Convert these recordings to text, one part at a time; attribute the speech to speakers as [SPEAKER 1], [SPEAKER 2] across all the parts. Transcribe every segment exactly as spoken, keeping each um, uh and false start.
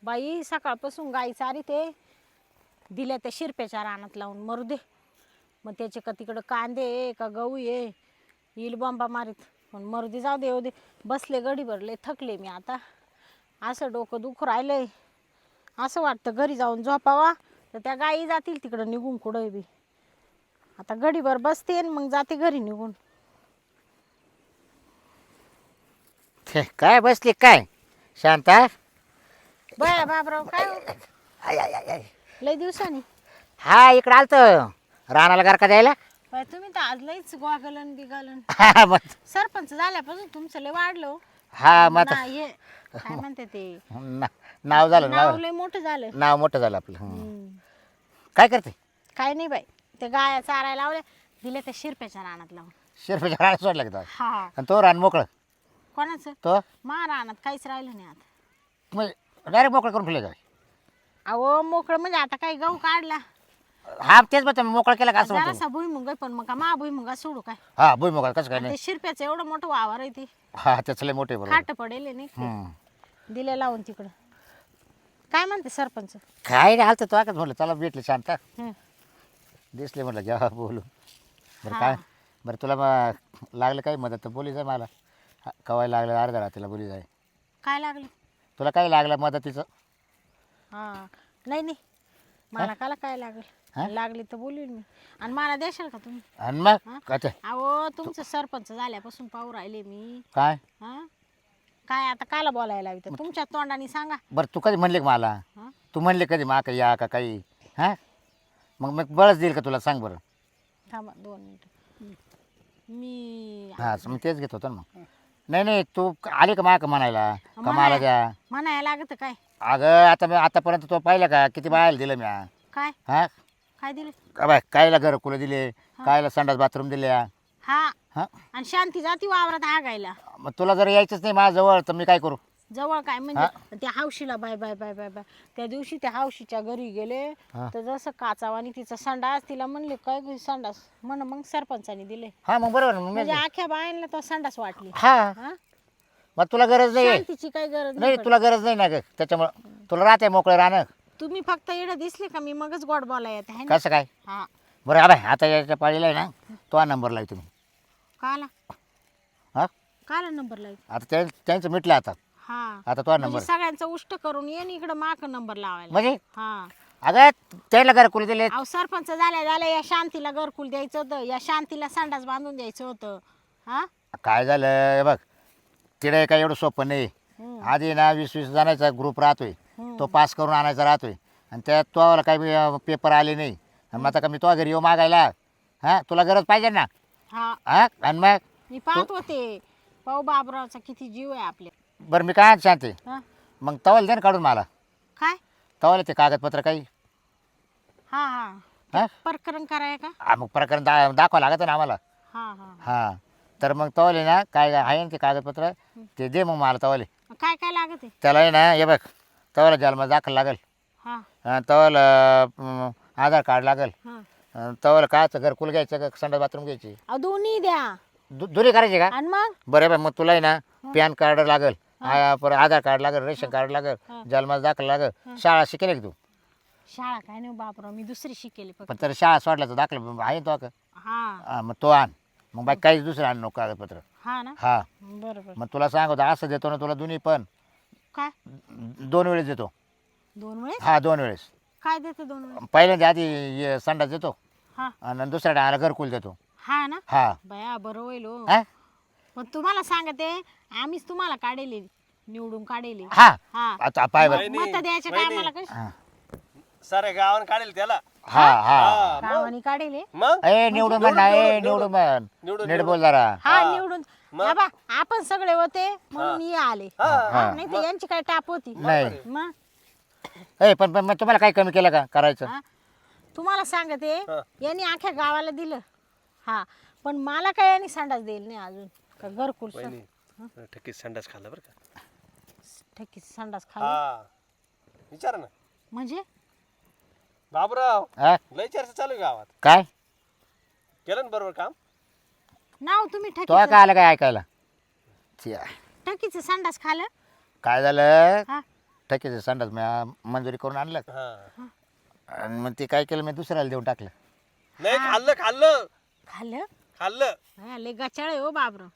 [SPEAKER 1] बाई सकाळपासून गाई चारी ते दिल्या त्या शिरप्याच्या रानात लावून मरू दे. मग त्याचे का तिकडं कांदे आहे का गहू आहे येईल बॉम्बा मारीत. पण मरू दे, जाऊ दे येऊ दे. बसले गडी भरले, थकले मी आता. असं डोकं दुखू राहिलंय. असं वाटतं घरी जाऊन झोपावा तर त्या गाई जातील तिकडं निघून कुठं बी. आता गडीभर बसते आणि मग जाते घरी निघून.
[SPEAKER 2] काय बसली काय शांता?
[SPEAKER 1] बया बाबराव काय हो?
[SPEAKER 2] आय आय आय आय.
[SPEAKER 1] लय दिवसांनी.
[SPEAKER 2] हा इकडं आलतो रानाला गारका द्यायला.
[SPEAKER 1] बाय तुम्ही तर आज लईच गोगलन बिगालन.
[SPEAKER 2] हा मग
[SPEAKER 1] सरपंच झाल्यापासून तुमचं लय वाढलं हो.
[SPEAKER 2] हा मग
[SPEAKER 1] ना हे काय म्हणते ते
[SPEAKER 2] ना- नाव झालं
[SPEAKER 1] नाव
[SPEAKER 2] नाव
[SPEAKER 1] लय मोठं झालं.
[SPEAKER 2] नाव मोठं झालं आपलं. हं.
[SPEAKER 1] हम्म.
[SPEAKER 2] काय करते?
[SPEAKER 1] काय नाही बाई, ते गाया चारायला लावल्या दिल्या त्या शिरप्याच्या रानात लावून.
[SPEAKER 2] शिरपेच्या रानात सोडला का तो?
[SPEAKER 1] हा
[SPEAKER 2] आणि तो रान मोकळं
[SPEAKER 1] कोणाचं?
[SPEAKER 2] तो
[SPEAKER 1] मा रानात काहीच राहिलं नाही आता.
[SPEAKER 2] म्हणजे डायरेक्ट मोकळं करून फिरले काय?
[SPEAKER 1] अहो मोकळं म्हणजे आता काही गहू काढला
[SPEAKER 2] हा तेच मग मोकळं केलं का असं म्हणतो.
[SPEAKER 1] जरासा भुईमुग आहे, पण मग का मा भुईमुगा सोडू काय?
[SPEAKER 2] हा भुई मोकळा कसं काय
[SPEAKER 1] आणि
[SPEAKER 2] नाही.
[SPEAKER 1] ते शिरप्याचं एवढं मोठं वावर आहे ते
[SPEAKER 2] हा त्याचं लय मोठे बरोबर.
[SPEAKER 1] खाट पडेल नाही ते.
[SPEAKER 2] हं.
[SPEAKER 1] दिले लावून तिकडं. काय म्हणते सरपंच?
[SPEAKER 2] काय नाही आलतं तो आकाच म्हटलं चला भेटले शांता
[SPEAKER 1] हं.
[SPEAKER 2] दिसले म्हटलं घ्या बोलू. बरं
[SPEAKER 1] हा.
[SPEAKER 2] काय बरं तुला मग लागलं काही मदत तर बोली जाय मला. हा, कवाय लागलं अर्ध्या रात्रीला बोली जाय.
[SPEAKER 1] काय लागलं?
[SPEAKER 2] तुला काय लागलं मदतीचं?
[SPEAKER 1] हा नाही नाही मला काला काय
[SPEAKER 2] हा?
[SPEAKER 1] लागेल, लागली तर बोलील मी. आणि मला देशाल का तुम्ही?
[SPEAKER 2] आणि मग
[SPEAKER 1] हा?
[SPEAKER 2] काय ते?
[SPEAKER 1] अहो तुमचं सरपंच झाल्यापासून पाहू राहिले मी.
[SPEAKER 2] काय
[SPEAKER 1] हा काय आता काला बोलायला हवी तर तुमच्या तोंडाने सांगा.
[SPEAKER 2] बरं तू कधी म्हणले का मला?
[SPEAKER 1] हा
[SPEAKER 2] तू म्हणले कधी मा का या का काही? हां मग मग बळच देईल का तुला सांग बरं.
[SPEAKER 1] थांबा दोन मिनिट. मी
[SPEAKER 2] हां मग तेच घेत होतो ना मग. नाही नाही तू आली का मा का म्हणायला का मला
[SPEAKER 1] म्हणाय-
[SPEAKER 2] द्या?
[SPEAKER 1] म्हणायला लागत काय?
[SPEAKER 2] अगं आता मी आतापर्यंत तो पाहिलं का किती बायला दिलं मी?
[SPEAKER 1] काय
[SPEAKER 2] हां
[SPEAKER 1] काय दिले?
[SPEAKER 2] का बाय कायला घरकुलं दिले, कायला संडास बाथरूम दिल्या.
[SPEAKER 1] हा
[SPEAKER 2] हां
[SPEAKER 1] आणि शांती जाती वावरात हागायला.
[SPEAKER 2] मग तुला जर यायचंच नाही माझ्याजवळ तर मी काय करू?
[SPEAKER 1] जवळ काय म्हणजे त्या हावशीला bye bye bye bye bye त्या दिवशी त्या हावशीच्या घरी गेले
[SPEAKER 2] हा.
[SPEAKER 1] तर जसं काचावानी तिचा संडास तिला म्हणले काय गं संडास म्हण मग सरपंचाने दिले.
[SPEAKER 2] हां मग बरोबर मग
[SPEAKER 1] म्हणजे
[SPEAKER 2] मी
[SPEAKER 1] आख्या बायांना तो संडास वाटली.
[SPEAKER 2] हां
[SPEAKER 1] हा
[SPEAKER 2] मग तुला गरज नाही आहे.
[SPEAKER 1] शांतीची काही गरज
[SPEAKER 2] नाही
[SPEAKER 1] नाही
[SPEAKER 2] तुला गरज नाही ना ग त्याच्यामुळं तुला राहते मोकळं राहणं.
[SPEAKER 1] पडत. तुम्ही फक्त एवढं दिसले का मी मगच गोड बोला येत आहे ना.
[SPEAKER 2] कसं काय?
[SPEAKER 1] हा
[SPEAKER 2] बरं अबाय आता याच्या पाळीला आहे ना तो नंबर लावी तुम्ही.
[SPEAKER 1] काला
[SPEAKER 2] हां
[SPEAKER 1] काला नंबर लावला.
[SPEAKER 2] आता त्या त्यांचं मिटलं आता
[SPEAKER 1] हा
[SPEAKER 2] आता तो नंबर
[SPEAKER 1] म्हणजे सगळ्यांचा उष्ट करून ये इकडे माक नंबर लावायला.
[SPEAKER 2] म्हणजे
[SPEAKER 1] हा
[SPEAKER 2] अगं त्याला घरकुल दिले.
[SPEAKER 1] अहो सरपंच झाल्या झाल्या या शांतीला घरकुल द्यायचं होतं, या शांतीला संडास बांधून द्यायचं होतं. हा
[SPEAKER 2] काय झालं हे बघ तिकडे काय एवढं सोपं नाही.
[SPEAKER 1] हम्म.
[SPEAKER 2] आधी ना वीस वीस जणांचा ग्रुप राहतोय
[SPEAKER 1] हम्म.
[SPEAKER 2] तो पास करून आणायचा राहतोय आणि त्यात तो काही पेपर आले नाही आणि मग आता का मी तो घरी येऊ मागायला? हां तुला गरज पाहिजे ना.
[SPEAKER 1] हा
[SPEAKER 2] हां आणि मग
[SPEAKER 1] मी पाहत होते पाहू बाबरावचा किती जीव आहे आपल्या.
[SPEAKER 2] बरं मी काय शांती
[SPEAKER 1] हा
[SPEAKER 2] मग तवाला दे ना काढून मला.
[SPEAKER 1] काय?
[SPEAKER 2] तवाला ते कागदपत्र काही
[SPEAKER 1] हा हा
[SPEAKER 2] हां
[SPEAKER 1] प्रकरण कराय का?
[SPEAKER 2] हा, मग प्रकरण दा दाखवा लागत ना आम्हाला.
[SPEAKER 1] हा हा
[SPEAKER 2] हां तर मग तवाले ना काय आहे ना ते कागदपत्र ते दे मग मला तवाले.
[SPEAKER 1] काय काय लागत आहे?
[SPEAKER 2] त्याला आहे ना हे बघ तवाला जन्म दाखल लागेल,
[SPEAKER 1] हा
[SPEAKER 2] तवाला अं, आधार कार्ड लागेल,
[SPEAKER 1] हा
[SPEAKER 2] तवाला कायचं घरकुल घ्यायचं का संडास बाथरूम घ्यायची
[SPEAKER 1] अहो दोन्ही द्या.
[SPEAKER 2] दु दुरी करायची का?
[SPEAKER 1] आणि मग
[SPEAKER 2] बरं बरं मग तुला आहे ना पॅन कार्ड लागेल, आ, परत आधार कार्ड लागेल, रेशन कार्ड लागेल, जन्माचा दाखल लागेल. शाळा शिकेल का तू?
[SPEAKER 1] शाळा काय नाही बाबराव मी दुसरी शिकेली फक्त.
[SPEAKER 2] पण तर शाळा सोडल्याचं दाखल आहे तो का?
[SPEAKER 1] हा
[SPEAKER 2] हा, मग तो आण मग बाकी काहीच दुसरं आण नको कागदपत्र.
[SPEAKER 1] हा ना
[SPEAKER 2] हा
[SPEAKER 1] बरोबर.
[SPEAKER 2] मग तुला सांगतो असं देतो ना तुला दोन्ही पण
[SPEAKER 1] काय
[SPEAKER 2] दोन वेळेस देतो.
[SPEAKER 1] दोन वेळेस?
[SPEAKER 2] हा दोन वेळेस.
[SPEAKER 1] काय देते दोन वेळेस?
[SPEAKER 2] पहिल्यांदा आधी हे संडास देतो
[SPEAKER 1] हा
[SPEAKER 2] आणि दुसऱ्या डायला घरकुल देतो.
[SPEAKER 1] हा ना
[SPEAKER 2] हा
[SPEAKER 1] बया बरं होईल हो.
[SPEAKER 2] हा?
[SPEAKER 1] पण तुम्हाला सांगते आम्हीच तुम्हाला काढेले निवडून काढेले.
[SPEAKER 2] हा
[SPEAKER 1] हा
[SPEAKER 2] आता पाय बरं.
[SPEAKER 1] मत द्यायच्या टायमाला कशी
[SPEAKER 2] हा
[SPEAKER 3] सारे गावान काढेल त्याला.
[SPEAKER 2] हा हा
[SPEAKER 1] गावाने काढेले.
[SPEAKER 3] मग
[SPEAKER 2] ए निवडून म्हण ना ए निवडून म्हण
[SPEAKER 3] निवडून-
[SPEAKER 2] नीट बोल जरा.
[SPEAKER 1] हा निवडून बाबा आपण सगळे होते म्हणून ये आले.
[SPEAKER 2] हा.
[SPEAKER 1] नाही तर यांची काय टाप होती.
[SPEAKER 2] नाही
[SPEAKER 1] मग
[SPEAKER 2] ए पण पण मग तुम्हाला काही कमी केलं का करायचं?
[SPEAKER 1] हा? तुम्हाला सांगते
[SPEAKER 3] हा.
[SPEAKER 1] यांनी अख्ख्या गावाला दिलं. हा पण मला काय यांनी संडास देईल नाही अजून का घरकुल स-
[SPEAKER 3] वहिनी ठकीत संडास खाल्ला बरं का.
[SPEAKER 1] ठकीत संडास खाली
[SPEAKER 3] हा विचार ना
[SPEAKER 1] म्हणजे
[SPEAKER 3] बाबूराव.
[SPEAKER 2] हा
[SPEAKER 3] लय चर्चा चालू आहे गावात.
[SPEAKER 2] काय
[SPEAKER 3] केलं ना बरोबर काम.
[SPEAKER 1] नाव तुम्ही
[SPEAKER 2] तो
[SPEAKER 1] ठकीचं
[SPEAKER 2] काय आलं काय ऐकायला? छ्या.
[SPEAKER 1] ठकीचं संडास खालं.
[SPEAKER 2] काय झालं
[SPEAKER 1] हा
[SPEAKER 2] ठकीचं संडास मी आ, मंजुरी करून आणलं
[SPEAKER 3] हा
[SPEAKER 2] आणि मग ते काय केलं मी दुसऱ्याला देऊन टाकलं.
[SPEAKER 3] नाही खाल्लं खाल्लं
[SPEAKER 1] खाल्लं
[SPEAKER 3] खाल्लं
[SPEAKER 1] हा, लय गचाळ आहे हो बाबराव.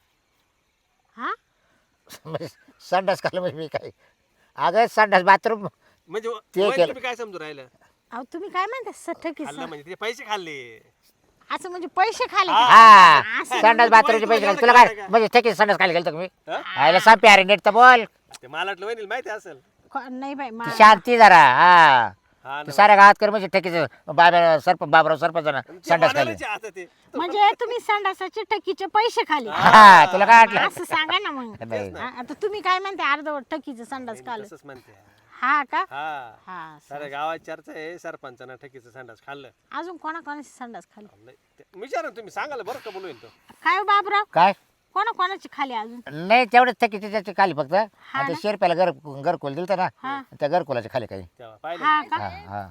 [SPEAKER 1] हा
[SPEAKER 2] म्हणजे संडास खाल्लं म्हणजे मी काय अगं संडास बाथरूम
[SPEAKER 3] म्हणजे
[SPEAKER 2] ते
[SPEAKER 3] वहिनी,
[SPEAKER 2] केलं.
[SPEAKER 3] तुम्ही काय समजू राहिलं
[SPEAKER 1] अहो तुम्ही काय म्हणता सठकी
[SPEAKER 3] खाल्लं म्हणजे ते पैसे खाल्ले
[SPEAKER 1] असं म्हणजे पैसे खाले का?
[SPEAKER 2] हा
[SPEAKER 1] असं
[SPEAKER 2] संडास बाथरूमचे पैसे घाल तुला काय म्हणजे ठकीचं संडास खाली गेलं मी
[SPEAKER 3] हा?
[SPEAKER 2] आयला सांग प्यारे नीट तर बोल.
[SPEAKER 3] ते मला वाटलं वहिनी माहिती असेल
[SPEAKER 1] को- नाही बाई
[SPEAKER 2] ती
[SPEAKER 1] मा-
[SPEAKER 2] शांती जरा हा
[SPEAKER 3] हा
[SPEAKER 2] ते
[SPEAKER 3] ना.
[SPEAKER 2] साऱ्या गावात कर म्हणजे ठकीचं बाबा सरप बाबराव सरपंचानं
[SPEAKER 3] ते
[SPEAKER 2] संडास खाली.
[SPEAKER 3] म्हणायचे आता ते
[SPEAKER 1] म्हणजे तुम्ही संडासाचे टकीचे पैसे खाले
[SPEAKER 2] हा तुला काय वाटलं
[SPEAKER 1] असं सांगा ना मग.
[SPEAKER 2] नाही
[SPEAKER 1] हा, आता तुम्ही काय म्हणते अर्धवट टकीचं संडास खाल
[SPEAKER 3] तसंच म्हणते
[SPEAKER 1] हा का
[SPEAKER 3] हा
[SPEAKER 1] हा
[SPEAKER 3] साऱ्या गावात चर्चा आहे सरपंचानं ठकीचं संडास खाल्लं
[SPEAKER 1] अजून कोणा कोणाची संडास खाली
[SPEAKER 3] लय- ते- विचारा ना तुम्ही सांगाल बरं का बोलू तो
[SPEAKER 1] काय हो बाबराव
[SPEAKER 2] काय
[SPEAKER 1] कोणा कोणाची खाली अजून
[SPEAKER 2] नाही तेवढंच थकीचे त्याचे खाली फक्त
[SPEAKER 1] हा
[SPEAKER 2] आणि
[SPEAKER 1] ना?
[SPEAKER 2] ते शेरप्याला घर घरकुल दिलं ना
[SPEAKER 1] हा.
[SPEAKER 2] त्या घरकुलाच्या खाली काही
[SPEAKER 3] तेव्हा पाहिलं
[SPEAKER 1] हा का
[SPEAKER 2] हा हा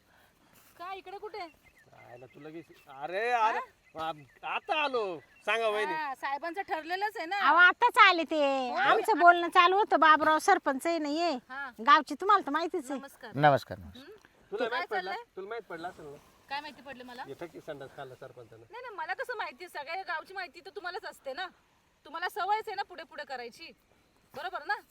[SPEAKER 4] काय इकडे कुठे
[SPEAKER 3] पाहिलं तू लगेच अरे अरे आ- आता आलो सांगा वहिनी
[SPEAKER 4] हा, साहेबांचं ठरलेलंच आहे ना
[SPEAKER 1] अहो आताच आले ते आमचं बोलणं चालू होतं बाबराव सरपंच आहे नाहीये
[SPEAKER 4] हा
[SPEAKER 1] गावची तुम्हाला तर माहितीच आहे.
[SPEAKER 4] नमस्कार
[SPEAKER 2] नमस्कार नमस्कार.
[SPEAKER 3] तुला माहित पडलं
[SPEAKER 4] चाललंय?
[SPEAKER 3] तुला माहित पडलं असेल ना
[SPEAKER 4] काय माहिती पडलं मला
[SPEAKER 3] हे ठकी संडास खाल्ला सरपंचानं
[SPEAKER 4] नाही नाही मला कसं माहिती सगळ्या गावची माहिती तर तुम्हालाच असते ना तुम्हाला सवयच आहे ना पुढे पुढे करायची बरोबर ना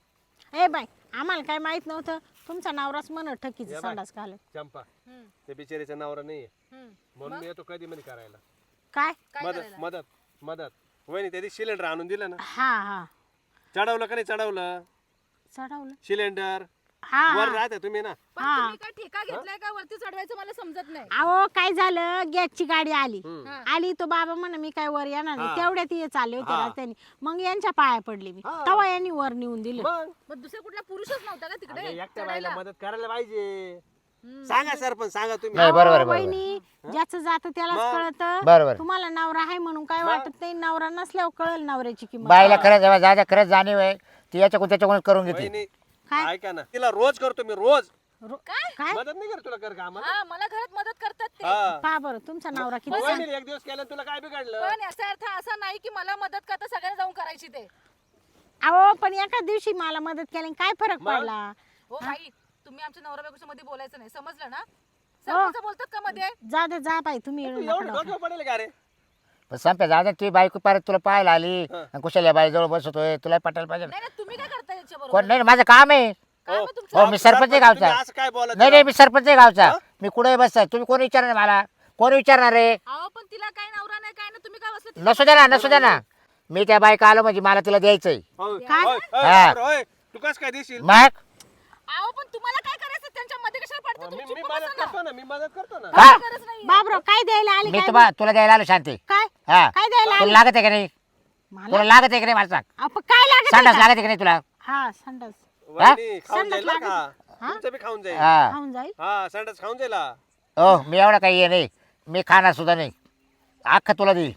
[SPEAKER 1] ए बाई आम्हाला काय माहित नव्हतं तुमचा नवराच म्हण ठकीचं
[SPEAKER 3] या बाई.
[SPEAKER 1] संडास खाल
[SPEAKER 3] चंपा
[SPEAKER 4] हम्म,
[SPEAKER 3] ते बिचारीचा नवरा नाहीये
[SPEAKER 4] हम्म.
[SPEAKER 3] म्हणून मी येतो कधी मध्ये करायला
[SPEAKER 1] काय
[SPEAKER 4] काय
[SPEAKER 3] मदत
[SPEAKER 4] करायला
[SPEAKER 3] मदत मदत वहिनी त्या दिवशी सिलेंडर आणून दिलं ना
[SPEAKER 1] हा हा
[SPEAKER 3] चढवलं का नाही चढवलं
[SPEAKER 1] चढवलं
[SPEAKER 3] सिलेंडर
[SPEAKER 1] हा
[SPEAKER 3] वर
[SPEAKER 1] हा.
[SPEAKER 3] राहते तुम्ही ना
[SPEAKER 4] पण
[SPEAKER 1] हा.
[SPEAKER 4] तुम्ही काय ठेका घेतलाय का वरती चढवायचं मला समजत नाही
[SPEAKER 1] अहो काय झालं गॅसची गाडी आली
[SPEAKER 3] हम्म.
[SPEAKER 4] हा.
[SPEAKER 1] आली तो बाबा म्हण मी काय वर येणार नाही
[SPEAKER 3] हा.
[SPEAKER 1] तेवढ्यात ये चालले होते
[SPEAKER 3] हा.
[SPEAKER 1] रस्त्याने मग यांच्या पाया पडले मी
[SPEAKER 3] हा.
[SPEAKER 1] तवा यांनी वर नेऊन दिलं
[SPEAKER 3] मग
[SPEAKER 4] मग दुसरा कुठला पुरुषच नव्हता का तिकडे
[SPEAKER 3] अगं, एकट्या
[SPEAKER 4] चढायला?
[SPEAKER 3] बाईला मदत करायला पाहिजे
[SPEAKER 4] हम्म.
[SPEAKER 3] सांगा सरपंच सांगा तुम्ही
[SPEAKER 2] नाही बरोबर आहे,
[SPEAKER 1] अहो,
[SPEAKER 2] बरोबर
[SPEAKER 1] वहिनी ज्याचं जात त्यालाच
[SPEAKER 3] मग?
[SPEAKER 1] कळत
[SPEAKER 2] बरोबर.
[SPEAKER 1] तुम्हाला नवरा आहे म्हणून काय वाटत नाही नवरा नसल्यावर कळल नवऱ्याची किंमत
[SPEAKER 2] बाईला खरंच जेव्हा जायच्या खरंच जाणीव आहे ती याच्याकडून त्याच्याकडून करून घेते.
[SPEAKER 3] वहिनी
[SPEAKER 1] काय?
[SPEAKER 3] ऐका ना तिला रोज करतो मी रोज
[SPEAKER 1] रो-
[SPEAKER 4] काय
[SPEAKER 1] काय
[SPEAKER 3] मदत नाही कर तुला कर का आम्हाला
[SPEAKER 4] हा मला घरात मदत करतात ते
[SPEAKER 3] हा
[SPEAKER 1] पहा बरं तुमचा नवरा किती
[SPEAKER 3] मग
[SPEAKER 1] सांग-
[SPEAKER 3] वहिनीला एक दिवस केलं तुला काय बिघडलं
[SPEAKER 4] पण याचा अर्थ असा नाही की मला मदत करता सगळ्यांना जाऊन करायची ते
[SPEAKER 1] अहो पण एका दिवशी मला मदत केली काय फरक
[SPEAKER 3] मग?
[SPEAKER 1] पडला
[SPEAKER 4] हो बाई तुम्ही आमच्या नवरा बायकोच्या मध्ये बोलायचं नाही समजलं ना सरपंच बोलतात का मध्ये
[SPEAKER 1] जा दे जा बाई तुम्ही येऊ
[SPEAKER 3] तू
[SPEAKER 1] नका
[SPEAKER 3] एवढं
[SPEAKER 1] डोक्यात.
[SPEAKER 3] डोक्यावर पडेल का रे
[SPEAKER 2] पण संप्या जाऊ तुझी बायको परत तुला पाहायला आली
[SPEAKER 3] हा.
[SPEAKER 2] आणि कुशाल्या बाईजवळ बसतोय तुला पटायला पाहिजे ना.
[SPEAKER 4] नाही नाही तुम्ही काय करता याच्या
[SPEAKER 2] कोण
[SPEAKER 4] बरोबर
[SPEAKER 2] नाही माझं काम आहे.
[SPEAKER 4] काय
[SPEAKER 3] हो.
[SPEAKER 4] मग तुमचं
[SPEAKER 2] हो मी सरपंच आहे गावचा.
[SPEAKER 3] तुम्ही असं काय बोला
[SPEAKER 2] नाही नाही मी सरपंच आहे गावचा मी कुठे बसताय तुम्ही कोण विचारणार मला कोण विचारणार रे
[SPEAKER 4] अहो पण तिला काय नवरा नाही काय ना तुम्ही काय बसले
[SPEAKER 2] नसू द्या ना नसू द्या ना मी त्या बायका आलो म्हणजे मला तिला द्यायचंय
[SPEAKER 1] काय?
[SPEAKER 2] हा.
[SPEAKER 3] तू कस काय देशील
[SPEAKER 2] मग
[SPEAKER 4] अहो पण तुम्हाला काय करायचं त्यांच्या मध्ये कशाला पडतं
[SPEAKER 3] मी
[SPEAKER 4] तुम्ही
[SPEAKER 3] मी
[SPEAKER 4] चुप
[SPEAKER 3] मदत
[SPEAKER 4] बसा ना.
[SPEAKER 3] करतो ना मी मदत करतो ना
[SPEAKER 2] का
[SPEAKER 4] गरज नाही
[SPEAKER 1] बाबराव काय द्यायला आले
[SPEAKER 2] मी
[SPEAKER 1] काय
[SPEAKER 2] तुम्हाला तुला द्यायला आलो शांती
[SPEAKER 1] काय
[SPEAKER 2] हा
[SPEAKER 1] काय द्यायला
[SPEAKER 2] तुला
[SPEAKER 1] आले
[SPEAKER 2] लागत आहे का नाही
[SPEAKER 1] मला
[SPEAKER 2] तुला लागत आहे का नाही मला सांग
[SPEAKER 1] अहो, पण काय लागत
[SPEAKER 2] संडास
[SPEAKER 1] आहे का?
[SPEAKER 2] लागत आहे का नाही तुला
[SPEAKER 1] हा संडास
[SPEAKER 3] वहिनी खाऊन
[SPEAKER 1] संडास
[SPEAKER 3] जाईल ना
[SPEAKER 1] लागत.
[SPEAKER 3] का
[SPEAKER 1] हा?
[SPEAKER 3] तुमचं बी खाऊन जाईल
[SPEAKER 2] हा
[SPEAKER 1] खाऊन जाईल
[SPEAKER 3] हा संडास खाऊन जाईल हा.
[SPEAKER 2] हो मी एवढा काही हे नाही मी खाणार सुद्धा नाही अख्खा तुला देईल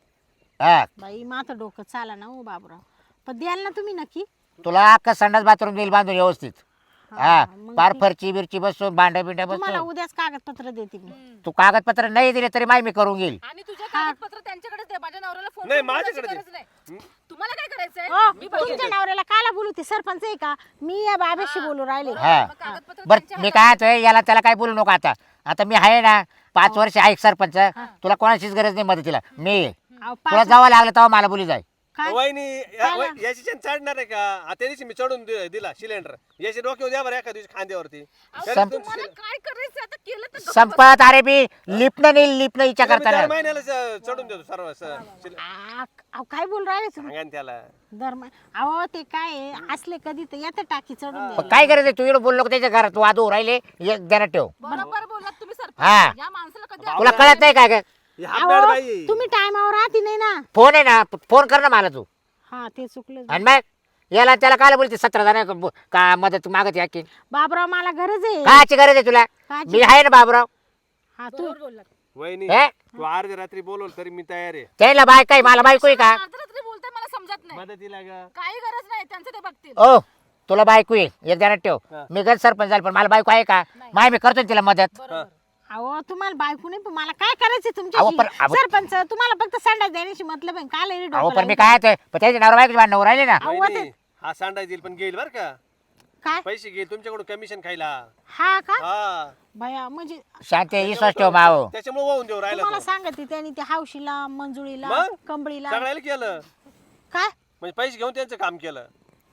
[SPEAKER 2] हा
[SPEAKER 1] बाई माझं डोकं चाला ना हो बाबराव पण द्याल ना तुम्ही नक्की
[SPEAKER 2] तुला अख्खा संडास बाथरूम देईल बांधून व्यवस्थित हा
[SPEAKER 1] मग
[SPEAKER 2] पार
[SPEAKER 1] ती-
[SPEAKER 2] फरची बिरची बसून भांड्या बिंड्या
[SPEAKER 1] तुम्हाला
[SPEAKER 2] बसून
[SPEAKER 1] उद्याच कागदपत्र देते मी
[SPEAKER 2] तू कागदपत्र नाही दिले तरी माय मी करून घेईल
[SPEAKER 4] आणि तुझ्या कागदपत्र त्यांच्याकडेच दे माझ्या नवऱ्याला फोन
[SPEAKER 3] नाही,
[SPEAKER 4] करून बोलायची
[SPEAKER 3] माझ्याकडे
[SPEAKER 4] गरज नाही तुम्हाला काय करायचंय
[SPEAKER 1] ओ,
[SPEAKER 4] मी
[SPEAKER 1] तुमच्या नवऱ्याला काला बोलू ते सरपंच आहे का मी या बाबेशी बोलू राहिले
[SPEAKER 2] हा
[SPEAKER 4] मग कागदपत्र
[SPEAKER 2] बर
[SPEAKER 4] त्यांच्या
[SPEAKER 2] मी काय म्हणतोय याला त्याला काय बोलू नको आता आता मी आहे ना पाच वर्ष ऐक सरपंच तुला कोणाचीच गरज नाही मदतीला मी आहे.
[SPEAKER 1] अहो,
[SPEAKER 2] तुला
[SPEAKER 1] पाच-
[SPEAKER 2] जावं लागलं तेव्हा मला बोली जाय
[SPEAKER 1] काय
[SPEAKER 3] वहिनी या- वय- याची चेन चढणार आहे का आ, त्या दिवशी मी चढून दि- दिला सिलेंडर याची डोक्यावर द्या बरं एका दिवशी खांद्यावरती तरी
[SPEAKER 2] सं-
[SPEAKER 3] तुमची
[SPEAKER 4] तुम्हाला काय करायचं आता केलं तर गप्प
[SPEAKER 2] संपत अरे बी लिपणं नाही लिपणं इच्छा
[SPEAKER 3] तुला मी दर
[SPEAKER 2] करताना
[SPEAKER 3] महिन्याला च- चढून देतो सर्व स- सिले-
[SPEAKER 1] आ, अहो, काय बोलू राहिले तुम्ही
[SPEAKER 3] सांगा ना त्याला
[SPEAKER 1] दरम्यान अहो ते काय आहे, असले कधी तर येतं टाकी चढून
[SPEAKER 2] पण
[SPEAKER 1] द्यायला.
[SPEAKER 2] काय करायचं तू इकडे बोललो त्याच्या घरात तू वादू राहिले एक ध्यानात ठेव
[SPEAKER 4] बरोबर बोललात तुम्ही
[SPEAKER 2] हा.
[SPEAKER 4] सरपंच या माणसाला कधी
[SPEAKER 2] तुला कळत नाही काय काय
[SPEAKER 3] ही हापडाड
[SPEAKER 1] अहो,
[SPEAKER 3] बाई
[SPEAKER 1] तुम्ही टायमावर राहते नाही ना
[SPEAKER 2] फोन आहे ना फोन कर ना मला तू
[SPEAKER 1] हा ते चुकलं
[SPEAKER 2] आणि मग याला त्याला काय बोलते सतरा जण का मदत मागत या की
[SPEAKER 1] बाबराव मला गरज आहे
[SPEAKER 2] काची गरज आहे तुला
[SPEAKER 1] काची?
[SPEAKER 2] मी आहे ना बाबराव
[SPEAKER 1] हा तू
[SPEAKER 4] बरोबर बोललात
[SPEAKER 3] वहिनी
[SPEAKER 2] हे
[SPEAKER 3] तू अर्ध्या रात्री बोलवल तरी मी तयार आहे
[SPEAKER 2] त्याला बाय काय मला बायको आहे का
[SPEAKER 4] अर्धरात्री बोलताय मला समजत नाही
[SPEAKER 3] मदतीला ग
[SPEAKER 4] काही गरज नाही त्यांचं ते बघतील
[SPEAKER 2] ओ तुला बायको आहे एक ध्यानात ठेव
[SPEAKER 3] हा.
[SPEAKER 2] मी गज सरपंच झालं पण मला बायको आहे का माय मी करतो ना तिला मदत
[SPEAKER 4] बरोबर
[SPEAKER 1] अहो तुम्हाला बायको नाही पण मला काय करायचं
[SPEAKER 2] अहो,
[SPEAKER 1] तुमच्याशी
[SPEAKER 2] पण- अहो-
[SPEAKER 1] सरपंच तुम्हाला फक्त संडास देण्याची मतलब आहे काल
[SPEAKER 2] अहो पण मी काय आहे, पण त्याच्या नवरा बायको भांडण राहिले ना
[SPEAKER 1] अहो,
[SPEAKER 3] वहिनी, हा सांडा येईल पण घेईल बर का
[SPEAKER 1] काय
[SPEAKER 3] पैसे घे तुमच्याकडून कमिशन खायला.
[SPEAKER 1] हा का
[SPEAKER 3] हा
[SPEAKER 1] भया म्हणजे
[SPEAKER 2] शांती विश्वास ठेव माव.
[SPEAKER 3] त्याच्यामुळे वाहून देऊ राहिला
[SPEAKER 1] तुम्हाला
[SPEAKER 3] तो.
[SPEAKER 1] सांगते त्यांनी ते हौशीला मंजुळीला
[SPEAKER 3] मग?
[SPEAKER 1] कंबळीला
[SPEAKER 3] सगळ्याला केलं
[SPEAKER 1] काय
[SPEAKER 3] म्हणजे पैसे घेऊन त्यांचं काम केलं.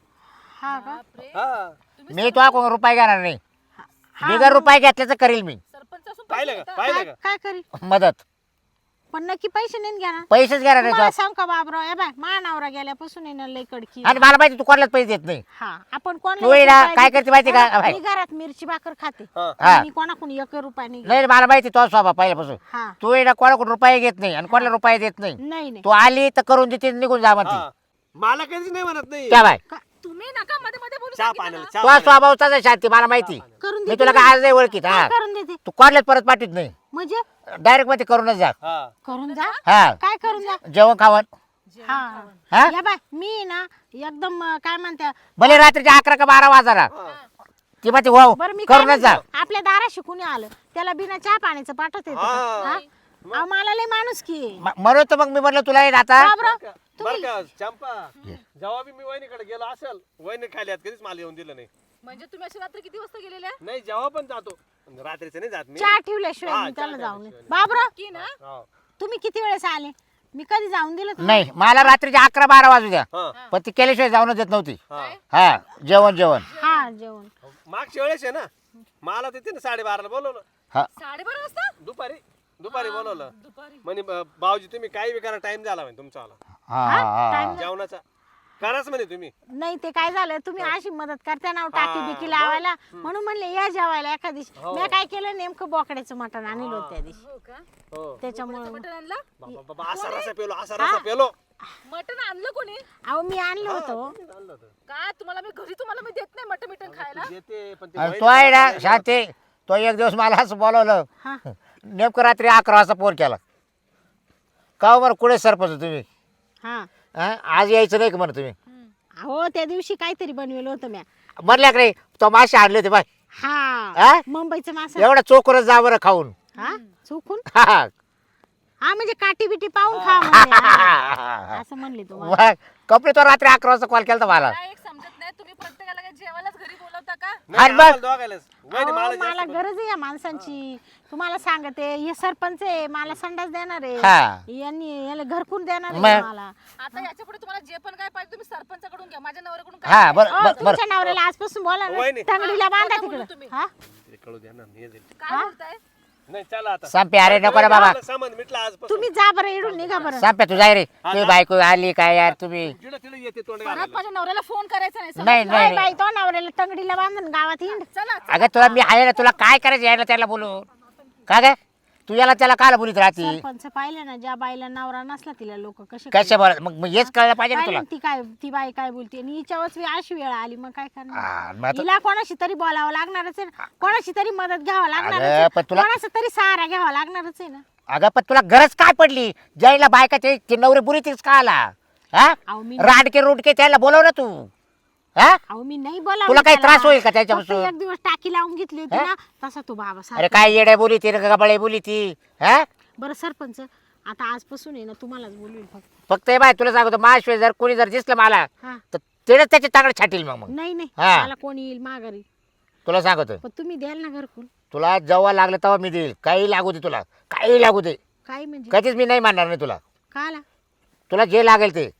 [SPEAKER 1] हा का
[SPEAKER 4] बापरे.
[SPEAKER 3] हा
[SPEAKER 2] मी तो कोण रुपये घेणार नाही.
[SPEAKER 1] हा,
[SPEAKER 2] बिगर रुपये घेतल्याचं करील मी
[SPEAKER 4] सरपंच असून पैसे
[SPEAKER 3] पाहिलं
[SPEAKER 4] घेता?
[SPEAKER 3] का पाहिलं
[SPEAKER 1] काय
[SPEAKER 3] का
[SPEAKER 1] काय करी
[SPEAKER 2] मदत.
[SPEAKER 1] पण नक्की पैसे नाही घ्या ना
[SPEAKER 2] पैसेच घेणार नाही
[SPEAKER 1] तुम्हाला
[SPEAKER 2] तो.
[SPEAKER 1] सांग का बाबराव ए बाय मानावरा गेल्यापासून आहे ना लय कडकी
[SPEAKER 2] आणि मला माहिती तू कोणालाच पैसे देत नाही.
[SPEAKER 1] हा आपण
[SPEAKER 2] तू
[SPEAKER 1] कोणाला
[SPEAKER 2] आहे
[SPEAKER 1] एक
[SPEAKER 2] ना,
[SPEAKER 1] रुपया
[SPEAKER 2] काय
[SPEAKER 1] देते.
[SPEAKER 2] करते माहिती का?
[SPEAKER 1] हा,
[SPEAKER 2] बाई.
[SPEAKER 1] मी घरात मिरची भाकर खाते
[SPEAKER 3] हा
[SPEAKER 2] हा.
[SPEAKER 1] मी कोणाकडून एक रुपया नाही घेत.
[SPEAKER 2] नाही मला माहिती तो स्वभाव पहिल्यापासून.
[SPEAKER 1] हा
[SPEAKER 2] तू आहे ना कोणाकडून रुपये घेत नाही आणि कोणाला रुपये देत नाही.
[SPEAKER 1] नाही नाही
[SPEAKER 2] तू आली तर करून देते निघून जा म्हणते.
[SPEAKER 3] हा. मला कधीच नाही म्हणत नाही.
[SPEAKER 2] त्या बाय
[SPEAKER 4] तुम्ही नका मध्ये मध्ये बोलू
[SPEAKER 3] चहा
[SPEAKER 4] सांगितलं
[SPEAKER 3] पाण्याला
[SPEAKER 4] ना.
[SPEAKER 3] चहा
[SPEAKER 2] तो
[SPEAKER 3] पाण्याला.
[SPEAKER 2] स्वभाव तसा शांती मला माहिती.
[SPEAKER 1] करून
[SPEAKER 2] मी
[SPEAKER 1] देते
[SPEAKER 2] तुला काय आज नाही ओळखीत. हा
[SPEAKER 1] काय करून देते
[SPEAKER 2] तू कोणालाच परत पाठवत नाही.
[SPEAKER 1] म्हणजे
[SPEAKER 2] डायरेक्ट मध्ये करूनच जा.
[SPEAKER 3] हा
[SPEAKER 1] करून जा
[SPEAKER 2] हा
[SPEAKER 1] काय करून जा
[SPEAKER 2] जेवण खावण.
[SPEAKER 1] हा
[SPEAKER 2] हा
[SPEAKER 1] या बाय मी ना एकदम अं, काय म्हणते
[SPEAKER 2] भले रात्रीच्या अकरा का बारा वाजारा ती माहिती वाव
[SPEAKER 1] बरं मी काय
[SPEAKER 2] करूनच जा.
[SPEAKER 1] म्हणते, आपल्या दाराशी कुणी आलं त्याला बिना चहा पाण्याचं पाठवत येतं का?
[SPEAKER 3] हा.
[SPEAKER 1] हा? अहो, मला लय माणूस की
[SPEAKER 2] म- म्हणून तर मग मी म्हटलं तुला येत आता.
[SPEAKER 3] बर का चंपा जेव्हा बी मी वहिनीकडे गेलो असेल वहिनी खाली हात कधीच मला येऊन दिलं नाही.
[SPEAKER 4] म्हणजे तुम्ही अशी रात्री किती वाजता गेलेल्या
[SPEAKER 3] नाही जेव्हा पण जातो रात्रीचं नाही जात मी.
[SPEAKER 1] चहा ठेवल्याशिवाय
[SPEAKER 3] हा,
[SPEAKER 1] मी त्याला
[SPEAKER 3] चहा
[SPEAKER 1] जाऊन
[SPEAKER 3] ठेवल्याशिवाय
[SPEAKER 1] बाबरा
[SPEAKER 4] की ना
[SPEAKER 3] हा.
[SPEAKER 1] तुम्ही किती वेळेस आले मी कधी जाऊन दिलं तुम्हाला?
[SPEAKER 2] नाही मला रात्रीच्या अकरा बारा वाजू द्या
[SPEAKER 3] हा
[SPEAKER 2] पण ती केल्याशिवाय जाऊनच देत नव्हती.
[SPEAKER 3] हा
[SPEAKER 2] हा जेवण जेवण
[SPEAKER 1] हा जेवण
[SPEAKER 3] मागच्या वेळेस आहे ना मला तिथे ना साडेबाराला बोलवलं
[SPEAKER 2] हा
[SPEAKER 4] साडेबारा वाजता
[SPEAKER 3] दुपारी दुपारी बोलवलं
[SPEAKER 4] दुपारी
[SPEAKER 3] म्हणे "ब- भाऊजी तुम्ही काही बी करा टाइम झाला म्हणे तुमचा आला
[SPEAKER 2] हा हा
[SPEAKER 1] टाइम
[SPEAKER 3] जेवणाचा कराच म्हणे तुम्ही.
[SPEAKER 1] नाही ते काय झालं तुम्ही अशी मदत करता ना टाकी बिकी लावायला म्हणून म्हणले या जेवायला एका दिवशी
[SPEAKER 3] हो.
[SPEAKER 1] मी काय केलं नेमकं बोकड्याचं मटण आणलं होतं त्या दिवशी
[SPEAKER 4] हो का
[SPEAKER 3] हो
[SPEAKER 1] त्याच्यामुळे
[SPEAKER 4] मटण आणलं
[SPEAKER 3] बाबा बाबा असा रसा पेलो असा रसा पेलो.
[SPEAKER 4] मटण आणलं कोणी
[SPEAKER 1] अहो मी आणलं होतं
[SPEAKER 3] आणलं होतं.
[SPEAKER 4] का तुम्हाला मी घरी तुम्हाला मी देत नाही मटण मिटण खायला
[SPEAKER 3] देते पण ते
[SPEAKER 2] आणि
[SPEAKER 3] वहिनी
[SPEAKER 2] तो आहे ना
[SPEAKER 3] खात नाही.
[SPEAKER 2] शांती तो एक दिवस मला असं बोलवलं
[SPEAKER 1] हा
[SPEAKER 2] नेमकं रात्री अकरा वाजता फोन केला. का बरं कुठे सरपंच तुम्ही
[SPEAKER 1] हा
[SPEAKER 2] हा? आज यायचं नाही का म्हणा तुम्ही.
[SPEAKER 1] अहो त्या दिवशी काहीतरी बनवेलं होतं म्या
[SPEAKER 2] म्हणल्याकडे तो मासे आणले होते बाय.
[SPEAKER 1] हा
[SPEAKER 2] हा?
[SPEAKER 1] मुंबईचं मासा
[SPEAKER 2] एवढा चोकरच जा बरं खाऊन.
[SPEAKER 1] हा चुकून
[SPEAKER 2] हा, हा.
[SPEAKER 1] हा म्हणजे काठी बिटी पाहून खा म्हणजे. हा. असं म्हणले तुम्हाला
[SPEAKER 2] मग कपडे तो रात्री अकरा वाजता कॉल केला मला.
[SPEAKER 4] मला एक समजत नाही तुम्ही प्रत्येकाला काय जेवायलाच घरी बोलवता का
[SPEAKER 3] नाही,
[SPEAKER 2] आणि बघ.
[SPEAKER 3] आम्हाला दोघायलाच. वहिनी
[SPEAKER 1] अहो,
[SPEAKER 3] मला
[SPEAKER 1] मला
[SPEAKER 3] जास्त
[SPEAKER 1] गरज आहे या माणसांची तुम्हाला सांगते हे सरपंच आहे मला संडास देणार आहे
[SPEAKER 2] हा.
[SPEAKER 1] यांनी याला घरकुल देणार आहे
[SPEAKER 2] मग?
[SPEAKER 1] मला
[SPEAKER 4] आता याच्या पुढे तुम्हाला जे पण काय पाहिजे तुम्ही सरपंचाकडून घ्या माझ्या नवऱ्याकडून काय
[SPEAKER 2] हा
[SPEAKER 4] नाही.
[SPEAKER 2] बरं
[SPEAKER 1] अहो,
[SPEAKER 2] बरं बरं
[SPEAKER 1] तुमच्या नवऱ्याला आजपासून बोला ना
[SPEAKER 3] वहिनी.
[SPEAKER 1] तंगडीला बांधा
[SPEAKER 4] नका बोलू
[SPEAKER 1] तिकडे
[SPEAKER 4] तुम्ही.
[SPEAKER 1] हा
[SPEAKER 3] ते कळू द्या ना हे जाईल.
[SPEAKER 4] काय बोलताय
[SPEAKER 3] नाही चला आता
[SPEAKER 2] संपे अरे नको रे बाबा.
[SPEAKER 3] सामान मिटला आजपासून.
[SPEAKER 1] तुम्ही जा बरं इडून निघा बरं
[SPEAKER 2] संपे तू जाय रे तुझी बायको आली काय यार तुम्ही.
[SPEAKER 3] तिला तिला येते तोंड
[SPEAKER 4] परत
[SPEAKER 3] घालायला.
[SPEAKER 4] माझ्या नवऱ्याला फोन करायचा नाही समजलं?
[SPEAKER 2] नाही
[SPEAKER 1] नाही
[SPEAKER 2] नाही
[SPEAKER 1] बाई तो नवऱ्याला तंगडीला बांधून गावात हिंड
[SPEAKER 4] चला
[SPEAKER 2] अगं तुला मी आहे ना तुला काय करायचं यायला त्याला बोलू का ग तू याला त्याला काल बोलीत राहती.
[SPEAKER 1] सरपंच पाहिलं ना ज्या बाईला नवरा नसला तिला लोक कसे
[SPEAKER 2] कशा बरं मग मग हेच कळलं पाहिजे ना
[SPEAKER 1] पाहिलं
[SPEAKER 2] तुला.
[SPEAKER 1] ना ती काय ती बाई काय बोलते आणि हिच्यावरच बी अशी वेळ आली मग काय
[SPEAKER 2] हा,
[SPEAKER 1] करणार
[SPEAKER 2] मग आता-
[SPEAKER 1] हिला कोणाशी तरी बोलावं लागणारच आहे ना कोणाशी तरी मदत घ्यावं लागणारच
[SPEAKER 2] अगं,
[SPEAKER 1] आहे.
[SPEAKER 2] पण तुला-
[SPEAKER 1] कोणाचा तरी सहारा घ्यावा लागणारच आहे ना
[SPEAKER 2] अगं पण तुला गरज काय पडली ज्याला बायका ते ते नवरे बुरी तीच का आला हा
[SPEAKER 1] अहो मी
[SPEAKER 2] राडके रुडके त्याला बोलव ना तू हा
[SPEAKER 1] अहो मी नाही बोला
[SPEAKER 2] तुला काही त्रास होईल का त्याच्यापासून?
[SPEAKER 1] एक दिवस टाकी लावून घेतली होती ना तसा तो बाबा
[SPEAKER 2] अरे
[SPEAKER 1] सारखा.
[SPEAKER 2] काय येड्या बोली ती गबाळे बोली ती हा
[SPEAKER 1] बरं सरपंच आता आजपासून आहे ना तुम्हालाच बोलवेल फक्त
[SPEAKER 2] फक्त हे बाय तुला सांगतो माझ्याशिवाय जर कोणी जर दिसलं मला
[SPEAKER 1] हा
[SPEAKER 2] तर तेच त्याचे चांगलं छाटील मग मग
[SPEAKER 1] नाही नाही
[SPEAKER 2] हा.
[SPEAKER 1] मला कोणी येईल माघारी
[SPEAKER 2] तुला सांगतो
[SPEAKER 1] पण तुम्ही द्याल ना घरकुल
[SPEAKER 2] तुला जेव्हा लागलं तेव्हा मी देईल काही लागू दे तुला काही लागू दे
[SPEAKER 1] काय म्हणजे
[SPEAKER 2] कधीच मी नाही मानणार नाही तुला
[SPEAKER 1] का आला
[SPEAKER 2] तुला जे लागेल ते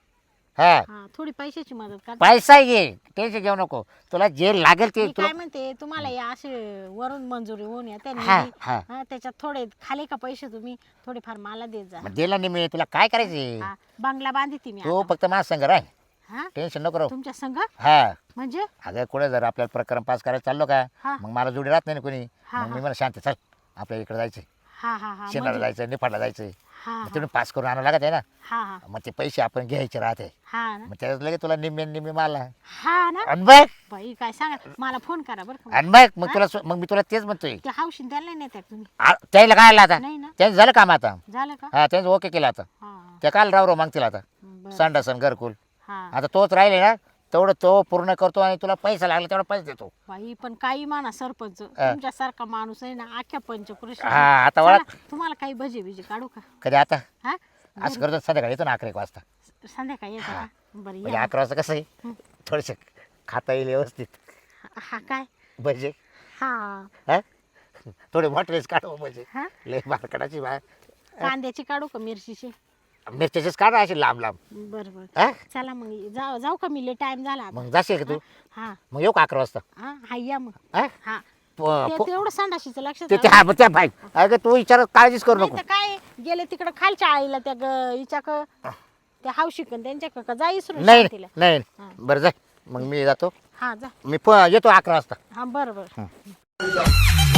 [SPEAKER 2] हा
[SPEAKER 1] हा थोडी पैशाची मदत कर
[SPEAKER 2] पैसा घे टेन्शन घेऊ नको तुला जे लागेल ते
[SPEAKER 1] मी
[SPEAKER 2] तुला
[SPEAKER 1] काय म्हणते तुम्हाला या असे वरून मंजुरी होऊन या त्या
[SPEAKER 2] हा,
[SPEAKER 1] निधी,
[SPEAKER 2] हा.
[SPEAKER 1] हा, त्याच्यात थोडे खाले का पैसे तुम्ही थोडेफार मला देत जा
[SPEAKER 2] मग दिला नाही मी तुला काय करायचे
[SPEAKER 1] हा, बंगला बांधी ती मी
[SPEAKER 2] तू
[SPEAKER 1] आता.
[SPEAKER 2] फक्त माझा संग राह
[SPEAKER 1] हा
[SPEAKER 2] टेन्शन नको राहू
[SPEAKER 1] तुमच्या संघ
[SPEAKER 2] हा
[SPEAKER 1] म्हणजे
[SPEAKER 2] अगं कुठे जर आपल्याला प्रकरण पास करायला चाललो का
[SPEAKER 1] हा.
[SPEAKER 2] मग मला जोडी राहत नाही ना कोणी
[SPEAKER 1] हा,
[SPEAKER 2] मग मी मला शांत चल आपल्या इकडे जायचं
[SPEAKER 1] हा हा हा
[SPEAKER 2] शेणाला
[SPEAKER 1] म्हणजे-
[SPEAKER 2] जायचं निफाडला जायचं
[SPEAKER 1] हा
[SPEAKER 2] मग
[SPEAKER 1] हा,
[SPEAKER 2] तिथून पास करून आणावं लागत आहे ना
[SPEAKER 1] हा हा
[SPEAKER 2] मग ते पैसे आपण घ्यायचे राहते
[SPEAKER 1] हा ना
[SPEAKER 2] मग त्याच्यात लगेच तुला निम्मे निम्मे मला
[SPEAKER 1] हा ना
[SPEAKER 2] आणि बघ
[SPEAKER 1] बाई काय सांगा मला फोन करा बरं का
[SPEAKER 2] आणि बघ मग तुला मग मी तुला तेच म्हणतोय
[SPEAKER 1] ते हौशीन त्याला नाही नेत्या तुम्ही
[SPEAKER 2] आ- त्याला काय आलं आता
[SPEAKER 1] नाही ना
[SPEAKER 2] त्यांचं झालं काम आता
[SPEAKER 1] झालं का
[SPEAKER 2] हा त्यांचं ओके केलं आता
[SPEAKER 1] हा हा,
[SPEAKER 2] त्या काल राव राव मागतील आता
[SPEAKER 1] बरं
[SPEAKER 2] संडासन घरकुल
[SPEAKER 1] हा
[SPEAKER 2] आता तोच राहिले ना तेवढं तो पूर्ण करतो आणि तुला पैसा लागला तेवढा पैसा देतो
[SPEAKER 1] बाई पण काही माना सरपंच तुमच्यासारखा माणूस आहे ना आख्या पंचकृषी
[SPEAKER 2] हा आता वळा
[SPEAKER 1] चला, तुम्हाला काही भजे बिजे काढू का
[SPEAKER 2] कधी आता
[SPEAKER 1] हा
[SPEAKER 2] असं करतो संध्याकाळी येतो ना अकरा एक वाजता
[SPEAKER 1] संध्याकाळी येतं का बरं
[SPEAKER 2] म्हणजे
[SPEAKER 1] या
[SPEAKER 2] अकरा वाजता कसं आहे थोडंसं खाता येईल व्यवस्थित
[SPEAKER 1] हा काय
[SPEAKER 2] भजे
[SPEAKER 1] हा
[SPEAKER 2] हा थोडे मोठेच काढू भजे
[SPEAKER 1] हा
[SPEAKER 2] लय बारकडाची बा
[SPEAKER 1] कांद्याची काढू का मिरचीची
[SPEAKER 2] मिरच्याचेच काढा असे लांब लांब
[SPEAKER 1] बरं बरं
[SPEAKER 2] हा
[SPEAKER 1] चला मग जाऊ जाऊ का मी टाइम झाला आता
[SPEAKER 2] मग जाशील का तू
[SPEAKER 1] हा
[SPEAKER 2] मग येऊ का अकरा वाजता
[SPEAKER 1] हा हा या मग
[SPEAKER 2] हा
[SPEAKER 1] हा
[SPEAKER 2] प-
[SPEAKER 1] ते
[SPEAKER 2] प-
[SPEAKER 1] तेवढं संडाशीचं लक्षात
[SPEAKER 2] ते
[SPEAKER 1] राहू
[SPEAKER 2] ते हा त्या बाई अगं तू विचार काळजीच करू
[SPEAKER 1] नाही
[SPEAKER 2] नको
[SPEAKER 1] तर काय गेले तिकडं खालच्या आईला त्या ग- हिच्याक त्या हावशिकन त्यांच्या का जा इसरून
[SPEAKER 2] नाही
[SPEAKER 1] तिला
[SPEAKER 2] नाही
[SPEAKER 1] हा.
[SPEAKER 2] बरं जाय मग मी जातो
[SPEAKER 1] हा जा
[SPEAKER 2] मी प- येतो अकरा वाजता
[SPEAKER 1] हा बरं बरं